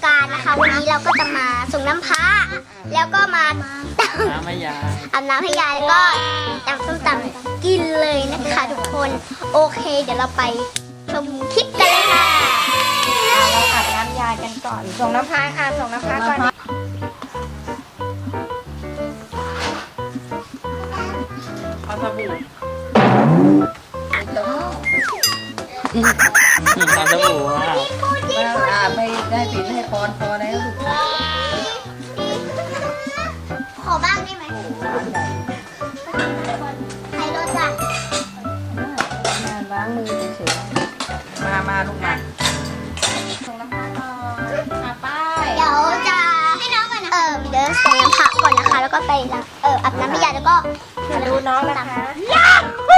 การนะคะวันนี้เราก็จะมาส่งน้ำพระแล้วก็มาน้ำให้ยายอาบน้ำให้ยายแล้วก็ตำส้มตำกินเลยนะคะทุกคนโอเคเดี๋ยวเราไปชมคลิปกันเลยค่ะเราอาบน้ำยายกันก่อน ส่งน้ำพายค่ะ ส่งน้ำพายก่อนเอาสบู่เอาสบู่อ่ะไม่ได้ปิดให้พรพอแล้วลูกขอบ้างได้ไหมใครรถจ้ะล้างมือเฉยๆมาลูกมาส่งน้ำพายก่อนป้ายเดี๋ยวจะให้น้องก่อนนะเดี๋ยวส่งน้ำพระก่อนนะคะ แล้วก็ไปอาบน้ำให้ยายแล้วก็มาดูน้องนะคะยาฮู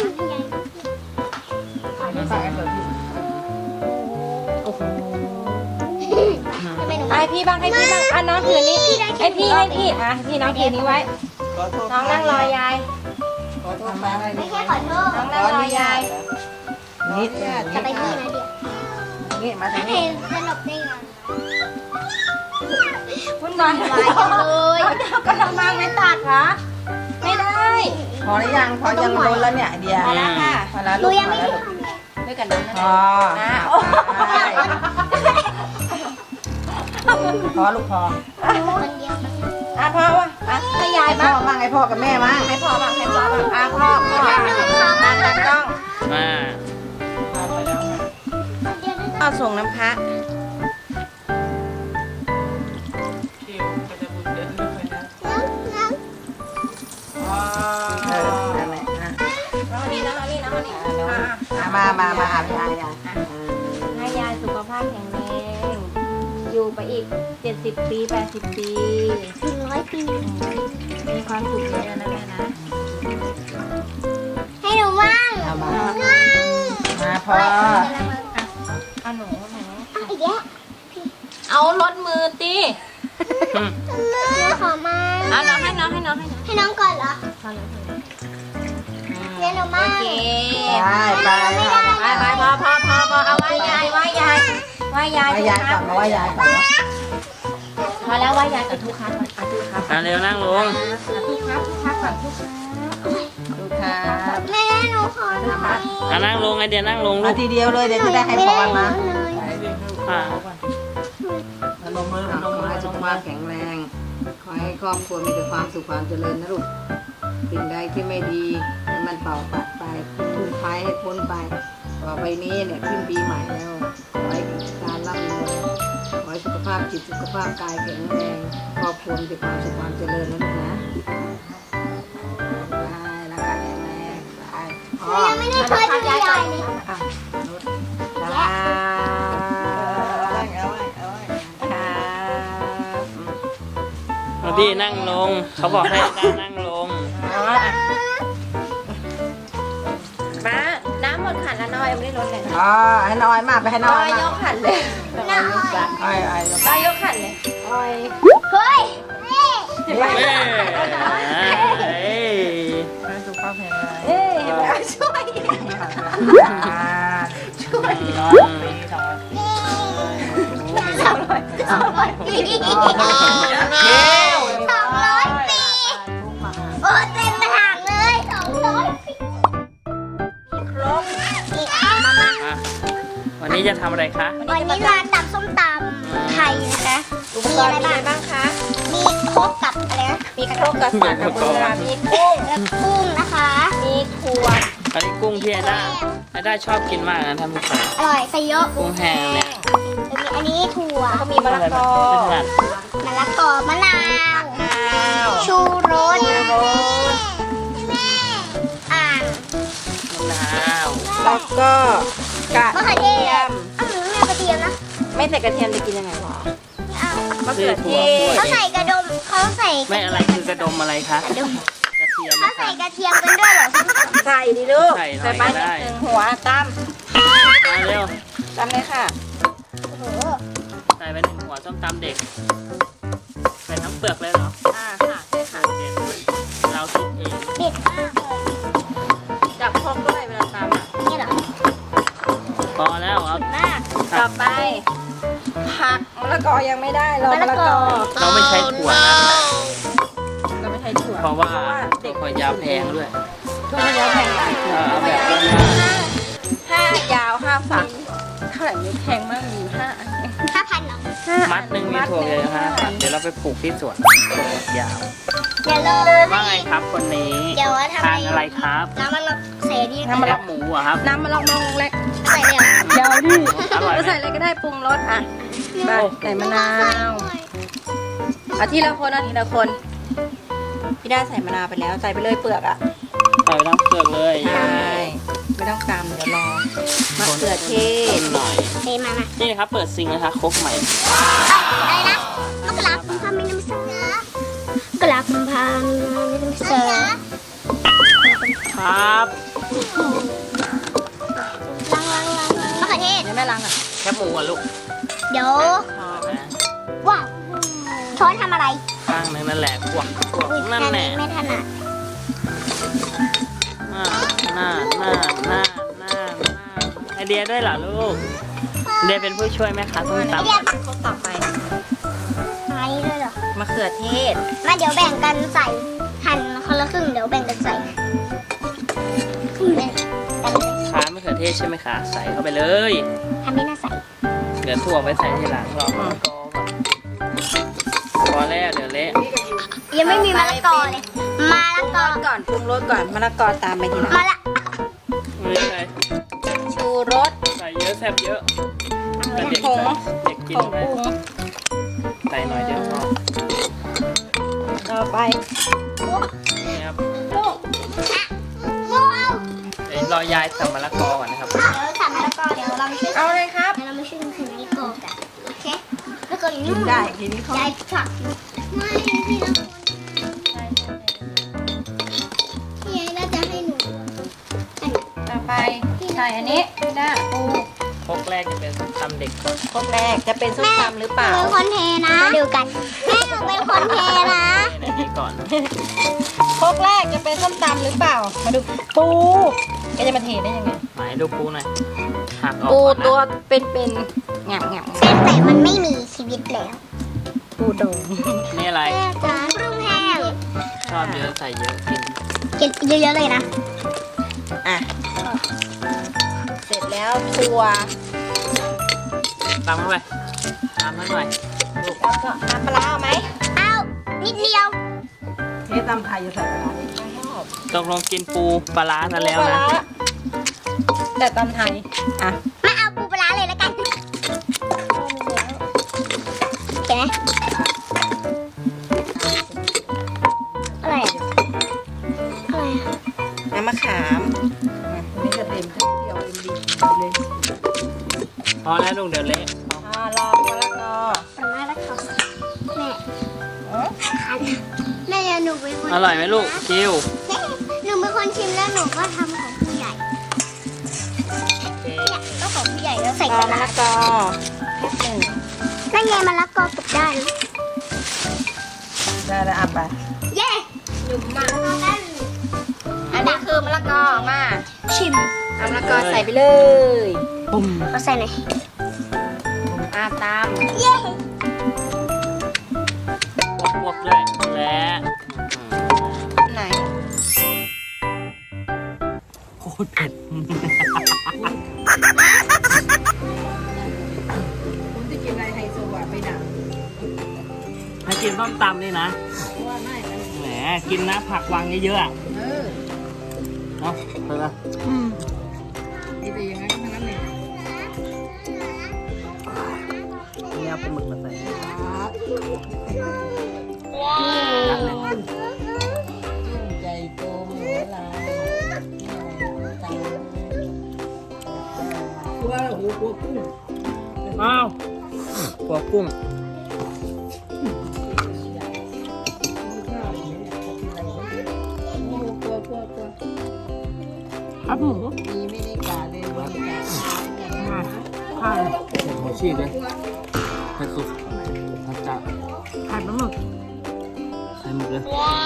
โอ้โหทำไมหนูให้พี่บ้างให้พี่บ้างอ่ะน้องถือนี้ให้พี่อ่ะพี่น้องถือนี้ไว้ขอโทษน้องนั่งรอยายขอโทษมาไม่ใช่ขอโทษน้องนั่งรอยายนิดจะไปที่นะเดี๋ยวนี่มาทางเห็นี้นสนุกได้ไงวุ่นวายวายจังเลยก็ทำมาไม่ตัดเหรอไม่ได้พอหรือยังพอยังโดนแล้วเนี่ยเดียวพอแล้วค่ะพอแล้วหนูลูกยังพอไม่แล้วได้ลูกทำเลยด้วยกันน้องพอนะใช่พอลูกพอคนเดียวอ่ะพ่อวะอ่ะให้ยายพ่บ้าอง บ้างไอ้พ่อกับแม่บ้างให้พ่อบ้างให้พ่อบ้างอ่ะพ่อมาตัดกล้องมาเอาส่งน้ำพระคิวก็จะบุญเดินด้วยนะเออนั่นแหละอ่ะน้องนี่น้องนี่น้องนี่มาอาบยายอ่ะให้ยายสุขภาพแข็งแรงอยู่ไปอีก70 ปี80 ปี 100 ปีมีความสุขเยอะนะแม่นะให้หนูบ้างเอามาพอเอาหนูอีกแล้วเอารถมือตีเดี๋ยวขอมาเอาน้องให้น้องให้น้องให้น้องให้น้องก่อนเหรอพอแล้วเดี๋ยวหนูมาโอเคไปไปพอเอาไหว้ยายไหว้ยายไหว้ยายไหว้ยายก่อนมาไหว้ยายก่อนพอแล้วไหว้ยายกับทุกครับทุกครับอ่ะเร็วนั่งลงทุกครับก่อนทุกครับลูกครับแม่หนูขอหน่อยอ่ะนั่งลงไอเดียนั่งลงลูมาก ทีเดียวเลยเดี๋ยวจะได้ให้พรมาอ่ะพนมมือขอให้สุขภาพแข็งแรง ขอให้ครอบครัวมีแต่ความสุขความเจริญนะลูกสิ่งใดที่ไม่ดีให้มันเป่าปัดไปทุกภัยให้พ้นไป ต่อไปนี้เนี่ยขึ้นปีใหม่แล้วขอให้การร่ำรวยขอให้สุขภาพจิตสุขภาพกายแข็งแรงครอบครัวมีแต่ความสุขความเจริญนะลูกนะได้ร่างกายแข็งแรงได้พอยังไม่ได้เคยดูยายเลยอ่ะนุชครับเอาพี่นั่งลง เขาบอกให้ได้นั่งลงป้าน้ำหมดขันแล้วน้อยไม่ได้ลดเลยนะอ๋อให้น้อยมากไปให้น้น้ออย ยมากยกขันเลยอ้อยน้อยยกขันเลยเฮ้ยเฮ้ยเฮ้ยให้สุขภาพแข็งแรงเอ้ยเห็นไหมช่วย 200 ปีโอ้เต็มกระถางเลย200 ปีครบมาอ่ะวันนี้จะทำอะไรคะวันนี้มาตำส้มตำไทยนะคะอุปกรณ์มีอะไรบ้างคะมีโครกกับอะไรนะมีครกกับสากกับเบือมีกุ้งแล้วกุ้งนะคะมีถั่วอันนี้กุ้งที่ไอด้าชอบกินมากนะท่านผู้ชมอร่อยใส่เยอะกุ้งแห้งเนี่ยแล้วมีอันนี้ถั่วแล้วก็มีมะละกอไม่ถนัดมะละกอมะนาวข้าวชูรสโรสแม่อ่างมะนาวแล้วก็กระมะเขือเทเทียศมอ้าวหนูไม่เอากระเทียมนะไม่ใส่กระเทียมจะกินยังไงหรอไม่เอามะเขือเทศเขาใส่กระดมเขาใส่ไม่อะไรคือกระดมอะไรคะกระดมกระเทียมเขานะใส่คะกระเทียมกันด้วยเหรอใส่ดิลูกใส่หน่อยไปก็ได้นิดนึงหัวตั้มมาเร็วตั้มเลยค่ะโอ้โหใส่ไป1 หัวส้มตำเด็ก ใส่ทั้งเปลือกเลยเหรอค่ะใช่ค่ะเด็ดเราคิดเองเด็ดมากเลยจับพกด้วยเวลาตำอ่ะนี่เหรอพอแล้วเอามากต่อไป ผักมะละกอยังไม่ได้รอมะละกอเราไม่ใช้ถั่วนะเราไม่ใช้ถั่วเพราะว่าเด็กถั่วยาวแพงด้วยถั่วเยอะแพงมากเอาแบบบ้าน 5 ยาว 5 ฝักเท่าไหร่ไม่แพงมากมี5 อันเอง 5,000เหรอๆมัดหนึ่งมีถั่วเยอะ5 เดี๋ยวเราไปปลูกที่สวนถั่วยาวเดี๋ยวเราว่าไงครับคนนี้เดี๋ยวว่าทำทานอะไรครับน้ำมันเราเสดีน้ำมันแคบหมูเหรอะครับน้ำมะลองเล็กใส่เลยเหรอยาวดิอร่อยไหมจะใส่อะไรก็ได้ปรุงรสอ่ะไปใส่มะนาวเอาทีละคนเอาทีละคน พี่ด้าใส่มะนาวไปแล้วใส่ไปเลยเปลือกอ่ะใส่น้ำเกลือเลยใช่ไม่ต้องตำเดี๋ยวรอมะเขือเทศหน่อยเทมานี่นะครับเปิดซิงนะคะครกใหม่อะไรนะมกราคมพาไม่น้ำเสือกราคมพาไม่น้ำเสือครับมะเขือเทศเดี๋ยวแม่ล้างอ่ะแคบหมูอ่ะลูกเดี๋ยวชอบนะว้าวช้อนทำอะไรข้างนึงนั่นแหละพวกอุ๊ยนั่นแหละไม่ถนัดหน้าไอเดียด้วยเหรอลูกไอเดียเป็นผู้ช่วยไหมคะส้มตำเรียกคนต่อไปไม้ด้วยเหรอมะเขือเทศมาเดี๋ยวแบ่งกันใส่หั่นคนละครึ่งเดี๋ยวแบ่งกันใส่แบ่งกันเลยขามะเขือเทศใช่ไหมคะใส่เข้าไปเลยทำไม่น่าใส่เดี๋ยวถั่วไปใส่ทีหลังรอมะละกอก่อนพอแล้วเดี๋ยวเละยังไม่มีมะละกอเลยมะละกอก่อนปรุงรสก่อนมะละกอตามไปทีหลังมะละไม่ใช่ชูรสใส่เยอะแซ่บเยอะแต่เด็กผงเด็กกินผงไหมปรุงใส่หน่อยเดียวพอต่อไปนี่ครับลูกว้าวเดี๋ยวรอยายสับมะละกอก่อนนะครับเดี๋ยวใส่มะละกอเดี๋ยวเราไปช่วยเอาเลยครับเดี๋ยวเราไปช่วยกันใส่มะละกอกันโอเคแล้วก็กินได้ทีนี้เขายายผลักไม่พี่ละพี่ยายน่าจะให้หนูต่อไปใส่อันนี้พี่ด้าปูพกแรกจะเป็นตำเด็กครกแรกจะเป็นส้มตำหรือเปล่าเป็นคนเทนะมาดูกันแม่หนูเป็นคนเทนะในนี้ก่อนครกแรกจะเป็นส้มตำหรือเปล่า มาดูปูแกจะมาเทได้ยังไงไหนดูปูหน่อยหักออกปูก่อนตัวนะเป็นแง่มแต่มันไม่มีชีวิตแล้วปูโด่งนี่อะไรแม่จ๋าปรุงแห้งชอบเยอะใส่เยอะกินกินเยอะๆเลยนะอ่ะ เสร็จแล้วถั่วตำเข้าไปตำให้หน่อยลูกแล้วก็น้ำปลาร้าเอาไหมเอานิดเดียวเทตำไทยจะใส่อะไรนี่ไม่ชอบตกลงกินปูปลาร้าซะแล้วปูปลานะร้าแต่ตำไทย อ่ะมาเอาปูปลาร้าเลยแล้วกันโอเคไหมอะไรอะอะไรอะน้ำมะขามนี่จะเต็มทั้งเดียวเต็มดีเลยพอแล้วลูกเดี๋ยวเละลองมะละกอปลาร้าแล้วค่ะแม่เอ้ยคันแม่หนูเป็นคนอร่อยไหมลูกคิวแม่หนูเป็นคนชิมแล้วหนูก็ทำของผู้ใหญ่โอเคเนี่ยก็ของผู้ใหญ่แล้วใส่ลกองระมะดาละษกอแค่หนึ่งนั่นไงมะละกอตกได้นะได้แล้วอ่ะไปเย้หนุ่มมะละกอได้อันนี้คือมะละกอมาชิมเอามะละกอใส่ไปเลยปุ้มเอาใส่หน่อยตามเย้พวกด้วยและไหนโคตรเผ็ดคุณจะกินอะไรไฮโซอ่ะไปดังถ้ากินต้มตำนี่นะว่าไม่มันแหมกินนะผักวางเยอะๆอะเออเนาะเออนี่แต่อย่างนั้นทั้งนั้นเลยนี่เอาปลาหมึกมาใส่ว้านัดหนึ่งใหญ่โตมโหฬารตัวโอ้โหตัวกุ้งอ้าวหัวกุ้ง ครับหมูมีไม่ได้กาเลยไม่ได้กาข้าวหัวชีกเลยไข่สุกผัดจับผัดปลาหมึกไข่หมึกเลย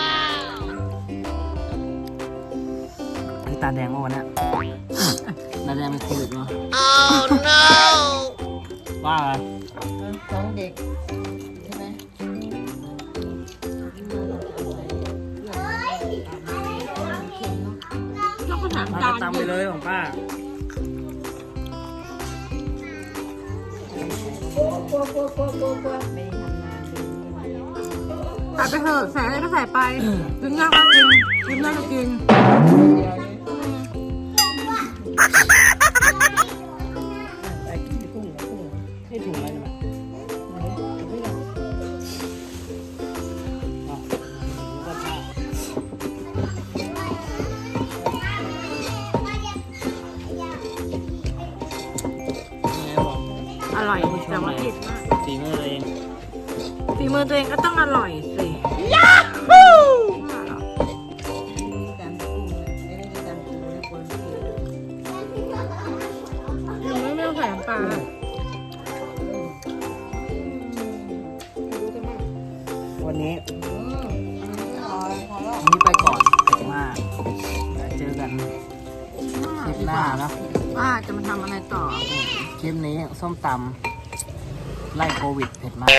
ไอ้ตาแดงเมื่อวันเนี้ยตาแดงเป็นโควิดเนาะ Oh no ว่าไงน้องเด็กใช่ไหมป้าก็ตำไปเลยของป้าตัดไปเถอะใส่อะไรก็ใส่ไปกินยากก็กินกินได้ก็กินให้ถุงอะไรนะอร่อยแต่ว่าผิดมากฝีมือตัวเองฝีมือตัวเองก็ต้องอร่อยสิ ไม่ต้องใส่น้ำปลาวันนี้ไปก่อนเผ็ดมากเจอกันคลิปหน้าเนาะว่าจะมาทำอะไรต่อคลิปนี้ส้มตำไล่โควิดเผ็ดมาก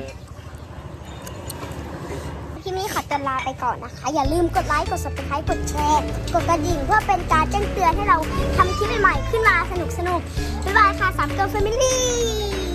ที่นี่ขอตัวลาไปก่อนนะคะ อย่าลืมกดไลค์ กด subscribe กดแชร์ กดกระดิ่งเพื่อเป็นการแจ้งเตือนให้เราทำคลิปใหม่ๆขึ้นมาสนุกๆ บ๊ายบายค่ะ3 Girl Family